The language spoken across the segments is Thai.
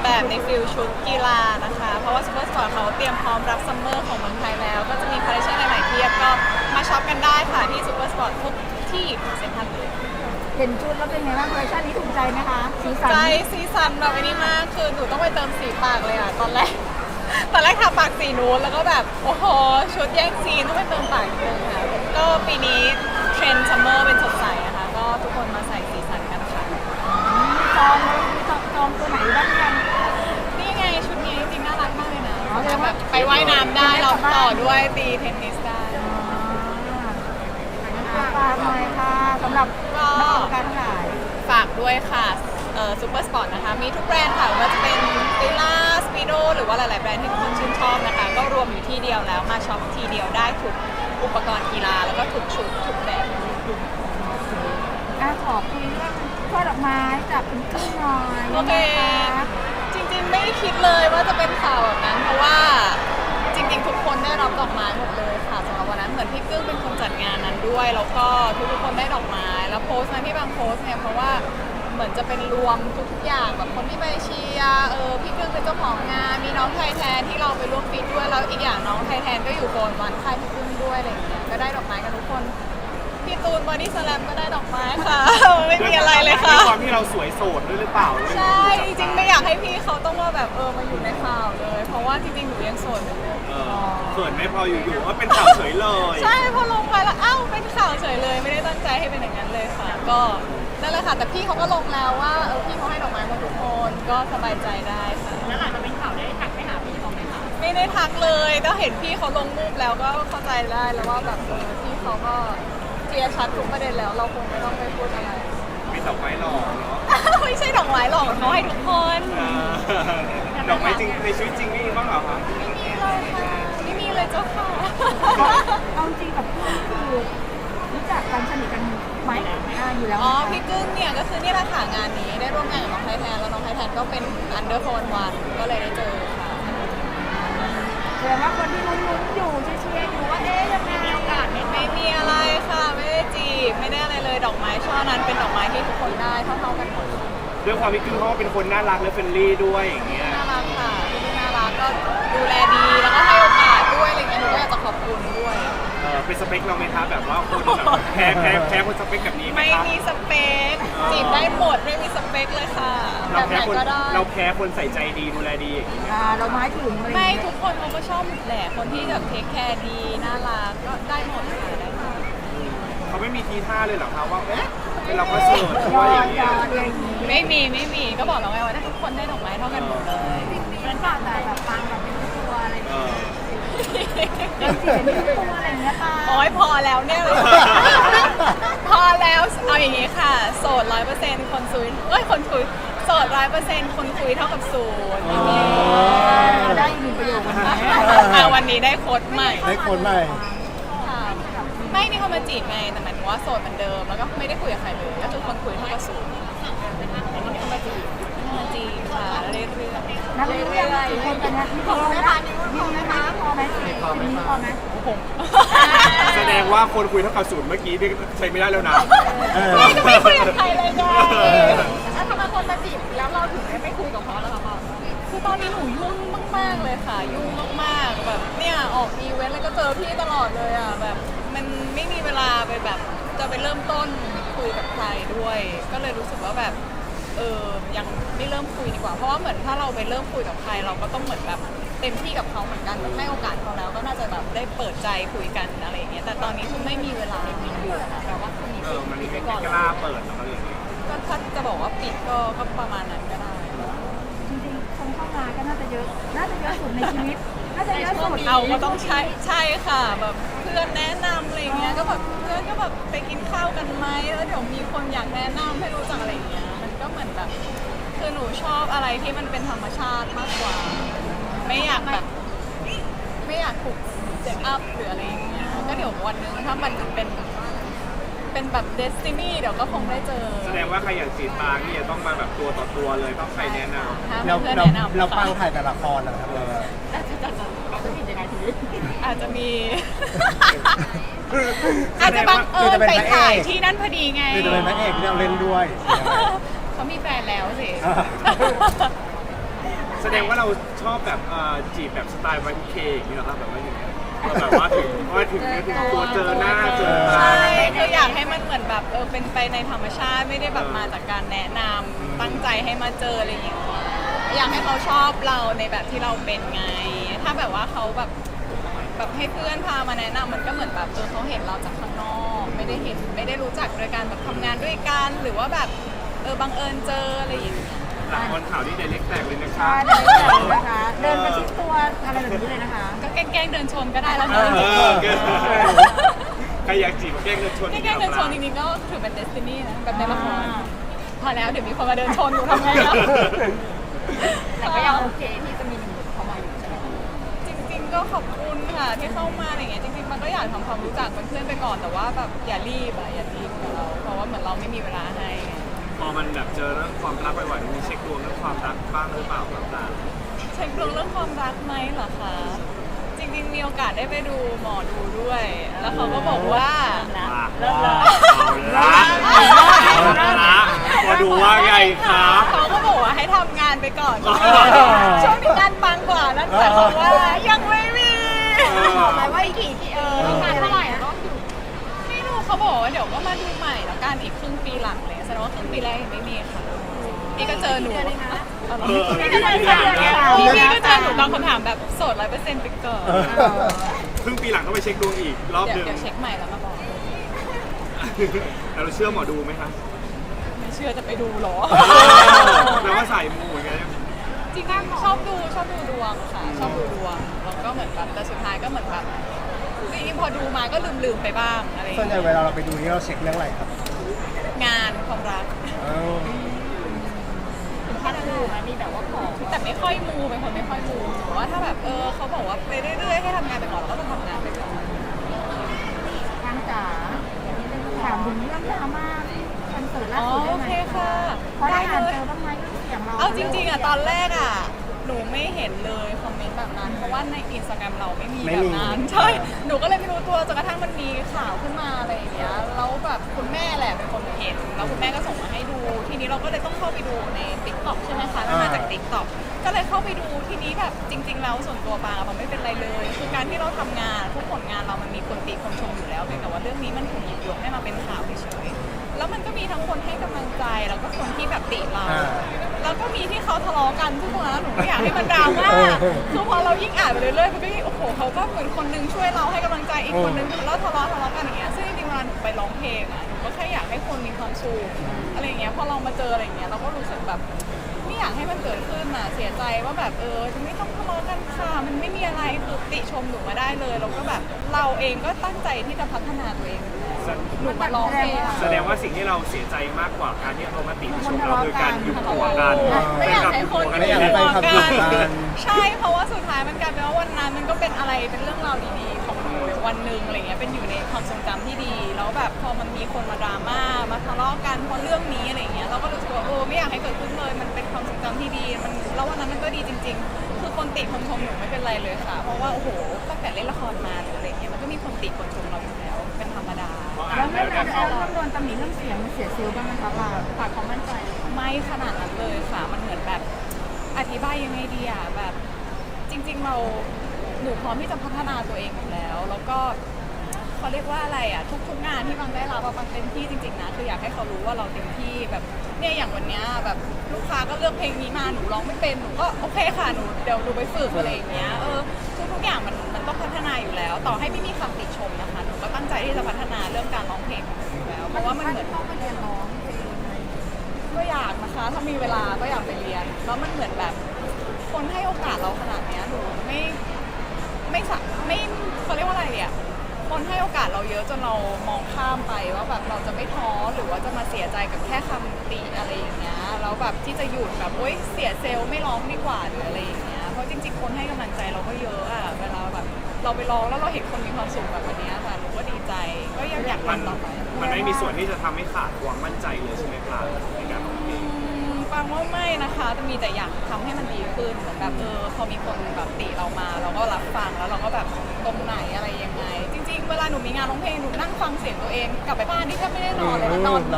แบบในฟิลชุดกีฬานะคะเพราะว่าซูเปอร์สปอร์ตเขาเตรียมพร้อมรับซัมเมอร์ของเมืองไทยแล้วก็จะมีคอลเลคชันใหม่ๆเพียบก็มาช็อปกันได้ค่ะที่ซูเปอร์สปอร์ตทุกที่เซ็นทรัลเลยเห็นชุดแล้วเป็นไงบ้างคอลเลคชันนี้ถูกใจไหมคะสีสันใจซีซันแบบนี้มากคือหนูต้องไปเติมสีปากเลยอ่ะตอนแรกทาปากสีนูนแล้วก็แบบโอ้โหชุดแย่งซีนต้องไปเติมปากอีกนึงค่ะก็ปีนี้เทรนด์ซัมเมอร์เป็นสดใสอะค่ะก็ทุกคนมาใส่สีสันกันค่ะจองตัวไหนบ้างยังนี่ไงชุดนี้จริงๆน่ารักมากเลยนะแบบไปว่ายน้ำได้เราต่อด้วยตีเทนนิสได้ฝากหน่อยค่ะสำหรับนักออกการขายฝากด้วยค่ะซูเปอร์สปอร์ตนะคะมีทุกแบรนด์ค่ะไม่ว่าจะเป็นฟิล่าสปีโดหรือว่าหลายๆแบรนด์ที่ทุกคนชื่นชอบนะคะก็รวมอยู่ที่เดียวแล้วมาช็อปทีเดียวได้ทุกอุปกรณ์กีฬาแล้วก็ทุกชุดทุกแบบขอคุยเรื่องช่อดอกไม้จากคุณครึ่งหน่อยโอเค จริงๆไม่ได้คิดเลยว่าจะเป็นข่าวแบบนั้นเพราะว่าจริงๆทุกคนได้รับดอกไม้หมดเลยค่ะสำหรับวันนั้นเหมือนพี่กึ้งเป็นคนจัดงานนั้นด้วยแล้วก็ทุกๆคนได้ดอกไม้แล้วโพสต์นั้นที่บางโพสต์เนี่ยเพราะว่าเหมือนจะเป็นรวมทุกๆอย่างแบบคนที่ไปเชียร์พี่กึ้งเป็นเจ้าของงานมีน้องไทยแทนที่เราไปร่วมฟีดด้วยแล้วอีกอย่างน้องไทยแทนก็อยู่โกนวันค่ายพี่กึ้งด้วยอะไรอย่างเงี้ยก็ได้ดอกไม้กันทุกคนพี่ตูนบอดี้สแลมก็ได้ดอกไม้ค่ะ ไม่มีอะไรเลยค่ะด้วยความที่เราสวยโสดด้วยหรือเปล่าใช่จริงๆไม่อยากให้พี่เขาต้องมาแบบมาอยู่ในข่าวเลย เพราะว่าจริงๆหนูยังโสดอยู่เลยเขินไม่พออยู่ๆว่าเป็นข่าวเฉยเลยใช่พอลงไปแล้วอ้าวเป็นข่าวเฉยเลยไม่ได้ตั้งใจให้เป็นอย่างนั้นเลยค่ะ ก็นั่นแหละค่ะแต่พี่เขาก็ลงแล้วว่าพี่เขาให้ดอกไม้มาทุกคนก็สบายใจได้ค่ะแล้วหลังจากเป็นข่าวได้ทักไปหาพี่เขาไหมคะไม่ได้ทักเลยก็เห็นพี่เขาลงรูปแล้วก็เข้าใจได้แล้วว่าแบบพี่เขาก็เคลียร์ชัดทุกประเด็นแล้วเราคงไม่ต้องไปพูดอะไรมีดอกไม้หล่อเนาะไม่ใช่ดอกไม้หรอกเขาให้ทุกคนดอกไม้จริงในชีวิตจริงนี่บ้างเหรอคะไม่มีเลยค่ะไม่มีเลยเจ้าค่ะเอาจริงกับเพื่อนคือรู้จักกันสนิทกันไหมอยู่แล้วอ๋อพี่กึ้งเนี่ยก็คือนี่แหละค่ะงานนี้ได้ร่วมงานกับน้องไทยแทนแล้วน้องไทยแทนก็เป็นอันเดอร์โฟนวันก็เลยได้เจอค่ะแสดงว่าคนที่ลุ้นๆอยู่เชียร์อยู่ว่ายังไงมีโอกาสไหมไม่มีอะไรค่ะไม่ได้จีบไม่ได้อะไรเลยดอกไม้ช่อนั้นเป็นดอกไม้ที่ทุกคนได้เท่าๆกันหมดด้วยความที่คือเขาเป็นคนน่ารักและเฟรนลี่ด้วยอย่างเงี้ยน่ารักค่ะพี่น่ารักก็ดูแลดีแล้วก็ให้โอกาสด้วยอะไรเงี้ยหนูก็อยากจะขอบคุณด้วยเป็นสเปคเราไหมคะแบบว่าคนแบบแพ้คนสเปคแบบนี้ไหมไม่คะมีสเปคจีบได้หมดไม่มีสเปคเลยค่ะแบเราบไหแพ้นคนก็ได้เราแพ้คนใส่ใจดีดูแลดีอย่างงี้เราไม้ถึงเลยไม่ทุกคนเขาก็ชอบหมดแหละคนที่แบบเทคแคร์ดีน่ารักก็ได้หมดค่ะได้หมดเขาไม่มีทีท่าเลยเหรอคะว่าเอ๊ะเราก็โสดหรือยอว่าอย่างดเงี้ยยอดอะไรอย่างนี้ไม่มีก็บอกแล้วไงว่าทุกคนได้ดอกไม้เท่ากันหมดเลยเหมือนฝากแต่แบบฟังแบบเป็นตัวอะไรอย่างเอเงี้ยอยังจีบเป็นตัวอะไรอย่างเงี้ยค่ะโอ้ยพอแล้วเนี่ย พอแล้วเอาอย่างนี้ค่ะ โสด100%คนคุยคนคุยโสด100%คนคุยเท่ากับศูนย์อย่างนี้ได้อีกหนึ่งประโยควันนี้วันนี้ได้โค้ดใหม่ได้คนใหม่ค่ะไม่มีคนมาจีบไงแต่หมายถึงว่าโสดเหมือนเดิมแล้วก็ไม่ได้คุยกับใครเลยก็คือคนคุยเท่ากับศูนย์ไม่มีคนมาจีบค่ะเรื่อยๆนักเรียนกี่คนกันนะนี่พอไหมคะนี่พอไหมคะพอไหมนี่พอไหมแสดงว่าคนคุยเท่ากับศูนย์เมื่อกี้นี่ใช้ไม่ได้แล้วนะไม่คุยกับใครเลยไงแล้วทำไมคนมาจีบแล้วเราถึงไม่คุยกับเขาล่ะคะพ่อคือตอนนี้หนูยุ่งมากๆเลยค่ะ ยุ่งมากๆแบบเนี่ยออกอีเวนต์แล้วก็เจอพี่ตลอดเลยอ่ะแบบมันไม่มีเวลาไปแบบจะไปเริ่มต้นคุยกับใครด้วย ก็เลยรู้สึกว่าแบบยังไม่เริ่มคุยดีกว่าเพราะว่าเหมือนถ้าเราไปเริ่มคุยกับใครเราก็ต้องเหมือนแบบเต็มที่กับเขาเหมือนกันแบบให้โอกาสเขาแล้วก็น่าจะแบบได้เปิดใจคุยกันอะไรอย่างเงี้ยแต่ตอนนี้คือไม่มีเวลาอยู่ค่ะแปลว่าคนนี้มันปิดไม่ไปก่อนกล้าเปิดอะไรอย่างเงี้ยก็ถ้าจะบอกว่าปิดก็ประมาณนั้นก็ได้จริงๆคนเข้ามาก็น่าจะเยอะสุดในชีวิตน่าจะเยอะสุดเอาก็ต้องใช่ค่ะแบบเพื่อนแนะนำอะไรเงี้ยก็แบบเพื่อนก็แบบไปกินข้าวกันไหมแล้วเดี๋ยวมีคนอยากแนะนำให้รู้จักอะไรเงี้ยมันก็เหมือนแบบคือหนูชอบอะไรที่มันเป็นธรรมชาติมากกว่า ไม่อยากแบบไม่อยากถูกเซตอัพหรืออะไรอย่างเงี้ยก็เดี๋ยววันหนึงถ้ามันเป็นแบบเดสตินีเดี๋ยวก็คงได้เจอแสดงว่าใครอยากจีบปางนี่จะต้องมาแบบตัวต่อตัวเลยต้องใครแนะนถ้าเราเพื่อนเราแนะนำเราค่ะปังถ่ายแต่ละครนะครับเราอาจจะมี อาจจะบังเอิญไปถ่ายที่นั่นพอดีไงคือจะเป็นพระเอกที่เราเล่นด้วยเขามีแฟนแล้วสิอ่าแสดงว่าเราชอบแบบจีบแบบสไตล์วัยเคอย่างนี้เหรอครับแบบว่าอย่างเงี้ยแบบว่าถึงตัวเจอหน้าเจอตาใช่คืออยากให้มันเหมือนแบบเป็นไปในธรรมชาติไม่ได้แบบมาจากการแนะนำตั้งใจให้มาเจออะไรอย่างเงี้ยอยากให้เขาชอบเราในแบบที่เราเป็นไง ถ้าแบบว่าเขาแบบให้เพื่อนพามาแนะนำมันก็เหมือนแบบเขาเห็นเราจากข้างนอกไม่ได้รู้จักโดยการแบบทำงานด้วยกันหรือว่าแบบบังเอิญเจออะไรอย่างเงี้ยหลังวันข่าวนี่ไดเล็กแตกเลยนะคใช่รับเลยนะคะ เดินประชิดตัวอะไรแบบนี้เลยนะคะก็แกล้งเดินชนก็ได้แล้วนะใครอยากจีบก็แกล้งเดินชนแกล้งเดินชนจริงๆก็ถือเป็นเดสตินีนะแบบในละครพอแล้วเดี๋ยวมีคนมาเดินชนอยู่ทำไงล่ะแต่ก็ยังโอเคที่จะมีหนุ่มเข้ามาอยู่ใช่ไหมจริงๆก็ขอบคุณค่ะที่เข้ามาอะไรเงี้ยจริงๆมันก็อยากทำความรู้จักเป็นเพื่อนไปก่อนแต่ว่าแบบอย่ารีบกับเราเพราะว่าเหมือนเราไม่มีเวลาให้พอมันแบบเจอเรื่องความรักบ่อยๆมีเช็คดวงเรื่องความรักบ้างหรือเปล่าต่างเช็คดวงเรื่องความรักไหมเหรอคะจริงๆมีโอกาสได้ไปดูหมอดูด้วย แล้วเขาก็บอกว่าๆละมาดูว่าไงครับเขาก็บอกว่าให้ทำงานไปก่อนช่วงนี้งานปังกว่านั่นหมายความว่ายังไม่มีบอกไหมว่าอีกกี่ที่งานเท่าไหร่อะไม่รู้เขาบอกว่าเดี๋ยวก็มาดูใหม่แล้วกันอีกครึ่งปีหลังเลยแสดงว่าครึ่งปีแรกยังไม่มีค่ะนี่ก็เจอหนูพี่ก็เจอหนูตอบคำถามแบบโสด100%ไปก่อนครึ่งปีหลังต้องไปเช็คดวงอีกรอบหนึ่งเดี๋ยวเช็คใหม่แล้วมาบอกแล้วเราเชื่อหมอดูไหมครับไม่เชื่อจะไปดูหรอแปลว่าสายมูเหมือนกันจริงๆชอบดูดวงค่ะชอบดูดวงแล้วก็เหมือนแบบแต่สุดท้ายก็เหมือนแบบจริงๆพอดูมาก็ลืมไปบ้างอะไรอย่างส่วนใหญ่เงี้ยเวลาเราไปดูนี่เราเช็คเรื่องอะไรครับงานความรักถึงขั้นดูไหมมีแบบว่าขอแต่ไม่ค่อยมูเป็นคนไม่ค่อยมูแต่ว่าถ้าแบบเขาบอกว่าไปเรื่อยๆให้ทำงานไปก่อนเราก็จะทำงานไปก่อนทางจ๋าถามถึงเรื่องดราม่าคอนเสิร์ตล่าอ๋อสุดได้โอไหมเคค่ะเพราะได้ได้อ่านเลเจยอบ้างไหมเสียงเราเอาจริงๆตอนแรกหนูไม่เห็นเลยคอมเมนต์แบบนั้นเพราะว่าในอินสตาแกรมเราไม่มีแบบนั้นใช่หนูก็เลยไม่รู้ตัวจนกระทั่งมันมีข่าวขึ้นมาอะไรอย่างเงี้ยแล้วแบบคุณแม่แหละเป็นคนเห็นแล้วคุณแม่ก็ส่งมาให้ดู ทีนี้เราก็เลยต้องเข้าไปดูใน TikTok ใช่ไหมคะมันมาจาก TikTok ก็เลยเข้าไปดูทีนี้แบบจริง ๆ แล้วส่วนตัวปางไม่เป็นไรเลย คือการที่เราทำงานทุกผลงานเรามันมีคนติคนชมอยู่แล้วเพียงแต่ว่าเรื่องนี้มันถูกหยิบยกให้มาเป็นข่าวเฉยๆแล้วมันก็มีทั้งคนให้กำลังใจแล้วก็คนที่แบบติเรา แล้วก็มีที่เขาทะเลาะกันทุกคนแล้วหนูก็อยากให้มันดราม่าคือพอเรายิ่งอ่านไปเรื่อยๆมันก็ยิ่งโอ้โหเขาก็เหมือนคนนึงช่วยเราให้กำลังใจอีกคนนึงแล้วทะเลาะกันอย่างเงี้ยซึ่งจริงๆเวลาหนูไปร้องเพลงหนูก็แค่อยากให้คนมีความสุขอะไรอย่างเงี้ยพอเรามาเจออะไรอย่างเงี้ยเราก็รู้สึกแบบไม่อยากให้มันเกิดขึ้นเสียใจว่าแบบจะไม่ต้องทะเลาะกันค่ะมันไม่มีอะไรคือติชมหนูมาได้เลยแล้วก็แบบเราเองก็ตั้งใจที่จะพัฒนาตัวเองหนูมาร้องเพลงแสดงว่าสิ่งที่เราเสียใจมากกว่าการที่เขามาติชมเราคือการยุบหัวกันไม่อยากให้คนไม่อยากให้ไปขับอยู่กันใช่เพราะว่าสุดท้ายมันกลายเป็นว่าวันนั้นมันก็เป็นอะไรเป็นเรื่องราวดีๆของหนูวันหนึ่งอะไรเงี้ยเป็นอยู่ในความทรงจำที่ดีแล้วแบบพอมันมีคนมาดราม่ามาทะเลาะกันเพราะเรื่องนี้อะไรเงี้ยเราก็รู้สึกว่าไม่อยากให้เกิดขึ้นเลยมันเป็นความทรงจำที่ดีมันแล้ววันนั้นมันก็ดีจริง ๆ คือคนติคนชมหนูไม่เป็นไรเลยค่ะ เพราะว่าโอ้โหตั้งแต่เล่นละครมาหรืออะไรเงี้ยมันก็มีคนติคนชมเราอยู่แล้วเป็นธรรมดาแล้วไม่แบบโดนตำหนิเรื่องเสียงเสียซิลบ้างไหมคะปาฝากความมั่นใจไม่ขนาดนั้นเลยค่ะ มันเหมือนแบบอธิบายยังไงดีอะแบบจริงๆหนูพร้อมที่จะพัฒนาตัวเองอยู่แล้ว แล้วก็เขาเรียกว่าอะไรอะทุกงานที่บางได้รับบางเต็มที่จริงๆนะคืออยากให้เขารู้ว่าเราเต็มที่แบบเนี่ยอย่างวันเนี้ยแบบลูกค้าก็เลือกเพลงนี้มาหนูร้องไม่เป็นหนูก็โอเคค่ะหนูเดี๋ยวดูไปฝึกอะไรอย่างเงี้ยทุกอย่างมันต้องพัฒนาอยู่แล้ว ต่อให้ไม่มีคำติชมนะคะหนูก็ตั้งใจที่จะพัฒนาเรื่องการร้องเพลงของหนูอยู่แล้วเพราะว่ามันเหมือนต้องไปเรียนร้องเพลงก็อยากนะคะถ้ามีเวลาก็อยากไปเรียนแล้วมันเหมือนแบบคนให้โอกาสเราขนาดเนี้ยหนูไม่เขาเรียกว่าอะไรเนี่ยคนให้โอกาสเราเยอะจนเรามองข้ามไปว่าแบบเราจะไม่ท้อหรือว่าจะมาเสียใจกับแค่คำติอะไรอย่างเงี้ยแล้วแบบที่จะหยุดแบบโอ๊ยเสียเซลล์ไม่ร้องดีกว่าหรืออะไรอย่างเงี้ยเพราะจริงๆคนให้กำลังใจเราก็เยอะอะเวลาแบบเราไปร้องแล้วเราเห็นคนมีความสุขแบบวันเนี้ยค่ะหนูก็ดีใจก็ยังอยากมันทำต่อไปมันไม่มีส่วนที่จะทำให้ขาดความมั่นใจเลยใช่ไหมครับในการร้องเพลงฟังว่าไม่นะคะแต่มีแต่อยากทำให้มันดีขึ้นเหมือนแบบพอมีคนแบบติเรามาเราก็รับฟังแล้วเราก็แบบตรงไหนอะไรยังไง จริงๆเวลาหนูมีงานร้องเพลงหนูนั่งฟังเสียงตัวเองกลับไปบ้านนี่แทบไม่ได้นอนเลยนะนอนเราก็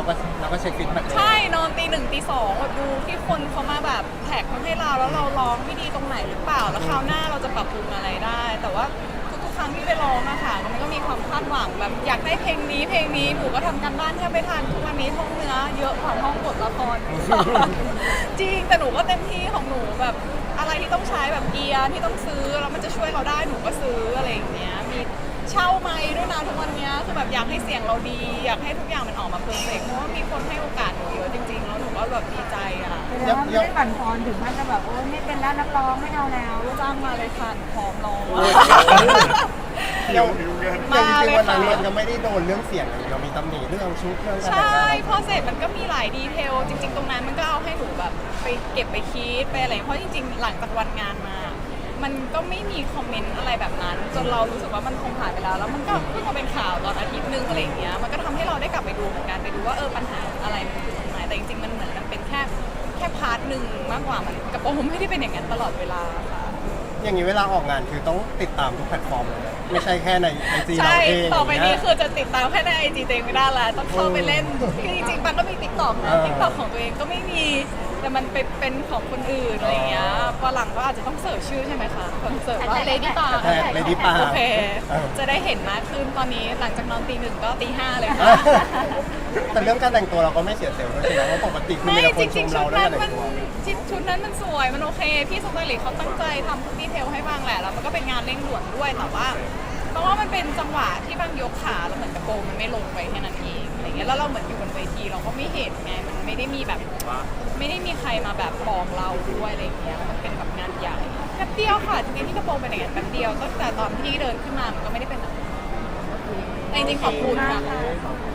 ก็เช็คฟีดแบ็กใช่นอนตี 1ตี 2แบบดูที่คนเขามาแบบแท็กมาให้เราแล้วเราร้องไม่ดีตรงไหนหรือเปล่าแล้วคราวหน้าเราจะปรับปรุงอะไรได้ แต่ว่าทุกๆครั้งที่ไปร้องอะค่ะมันก็มีความคาดหวังแบบอยากได้เพลงนี้หนูก็ทำการบ้านแทบไม่ทันทุกวันนี้ท่องเนื้อเยอะกว่าท่องบทละคร จริงแต่หนูก็เต็มที่ของหนูแบบอะไรที่ต้องใช้แบบเกียร์ที่ต้องซื้อแล้วมันจะช่วยเราได้หนูก็ซื้ออะไรอย่างเงี้ยมีเช่าไมค์ด้วยนะทุกวันเนี้ยคือแบบอยากให้เสียงเราดี อยากให้ทุกอย่างมันออกมาเพอร์เฟกต์เพราะว่ามีคนให้โอกาสหนูเยอะจริงๆแล้วหนูก็แบบดีใจอ่ะแสดงว่าไม่ได้บั่นทอนถึงขั้นจะแบบโอ้ไม่เป็นแล้วนักร้องไม่เอาแล้วจ้างมาเลยค่ะหนูพร้อมร้องยังเงินมาจริงเลยๆวันนั้นค่ะมันยังไม่ได้โดนเรื่องเสียงอย่างเดียวมีตำหนิเรื่องชุดเรื่องการใชแต่งหน้า่พอเสร็จมันก็มีหลายดีเทลจริง ๆ ตรงนั้นมันก็เอาให้หนูแบบไปเก็บไปคิดไปอะไรเพราะจริงๆหลังจากวันงานมา มันก็ไม่มีคอมเมนต์อะไรแบบนั้น จนเรารู้สึกว่ามันคงผ่านไปแล้วแล้วมันก็เพิ่งมาเป็นข่าวตอนอาทิตย์นึงอะไรอย่างเงี้ยมันก็ทำให้เราได้กลับไปดูเหมือนกันไปดูว่าปัญหาอะไรมันคือตรงไหนแต่จริงๆมันเหมือนมันเป็นแค่พาร์ทหนึ่งมากกว่ามันกระโปรงไม่ได้เป็นอย่างนั้นตลอดเวลาค่ะอย่างนี้เวลาออกงานคือต้องติดตามทุกแพลตฟอร์มเลยนะไม่ใช่แค่ในไอจีเราใช่เองต่อไปนี้ย่างคืเงี้ยอจะติดตามแค่ในไอจีตัวเองไม่ได้แล้วต้องเข้าไปเล่นคือจริงๆปันก็มีติ๊กต็อกนะติ๊กต็อกของตัวเองก็ไม่มีแต่มันเป็นของคนอื่นอะไรอย่างเงี้ยพอหลังก็อาจจะต้องเสิร์ชชื่อใช่ไหมคะต้องเสิร์ชว่า Lady Star แท็ก Lady Star โอเคเออจะได้เห็นมากขึ้นตอนนี้หลังจากนอนตี 1ก็ตี 5เลยค่ะแต่เรื่องการแต่งตัวเราก็ไม่เสียเซลล์ด้วยใช่ไหมเพราะปกติคือไม่มีแต่คจนชริงมๆเราชุดเรื่อนั้งนการมัแต่นงตัวชุดนั้นมันสวยมันโอเคพี่สไตลิสต์เขาตั้งใจทำทุกดีเทลให้บ้างแหละแล้วมันก็เป็นงานเร่งด่วนด้วยแต่ว่าเพราะว่ามันเป็นจังหวะที่บางยกขาแล้วเหมือนกระโปรงมันไม่ลงไปแค่นั้นเองอะไรเงี้ยแล้วเราเหมือนอยู่บนเวทีเราก็ไม่เห็นไงมันไม่ได้มีแบบไม่ได้มีใครมาแบบบอกเราด้วยอะไรเงี้ยมันเป็นแบบงานใหญ่แป๊บเดียวค่ะจริงๆที่กระโปรงเป็นอย่างนั้นแป๊บเดียวตั้งแต่ตอนที่เดินขึ้นมามันก็ไม่ได้เป็นแบบนั้นแต่จริงๆขอบคุณค่ะ